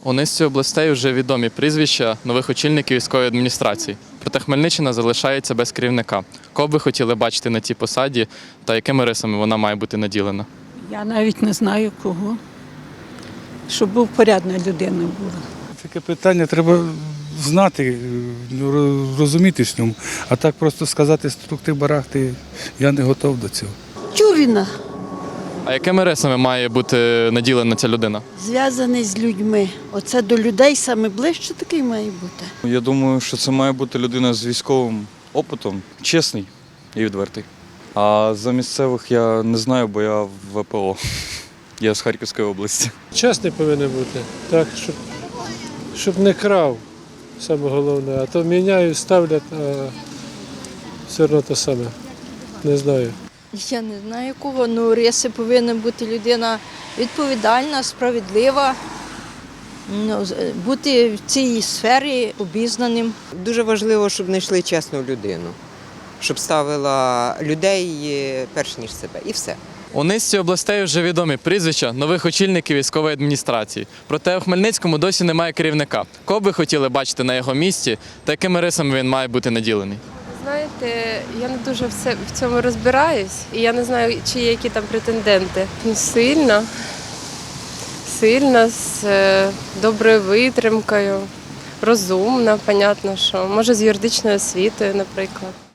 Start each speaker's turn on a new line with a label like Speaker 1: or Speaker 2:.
Speaker 1: У низці областей вже відомі прізвища нових очільників військової адміністрації. Проте Хмельниччина залишається без керівника. Кого б ви хотіли бачити на цій посаді та якими рисами вона має бути наділена?
Speaker 2: Я навіть не знаю кого. Щоб був порядна людина була.
Speaker 3: Таке питання треба знати, розуміти в ньому. А так просто сказати структи-барахти, я не готов до цього.
Speaker 4: Тюріна,
Speaker 1: А якими рисами має бути наділена ця людина?
Speaker 4: зв'язаний з людьми. Оце до людей саме ближче такий має бути.
Speaker 5: Я думаю, що це має бути людина з військовим опитом, чесний і відвертий. А за місцевих я не знаю, бо я в ВПО. Я з Харківської області.
Speaker 6: Чесний повинен бути, так, щоб не крав, саме головне. А то міняють, ставлять, а все одно те саме. Не знаю.
Speaker 7: Я не знаю кого, ну риси повинна бути людина відповідальна, справедлива, бути в цій сфері обізнаним.
Speaker 8: Дуже важливо, щоб знайшли чесну людину, щоб ставила людей перш ніж себе. І все.
Speaker 1: У низці областей вже відомі прізвища нових очільників військової адміністрації. Проте у Хмельницькому досі немає керівника. Кого б ви хотіли бачити на його місці та якими рисами він має бути наділений?
Speaker 9: Знаєте, я не дуже в цьому розбираюсь, і я не знаю, чи є які там претенденти. Ну, сильна, з доброю витримкою, розумна, понятно, що може з юридичною освітою, наприклад.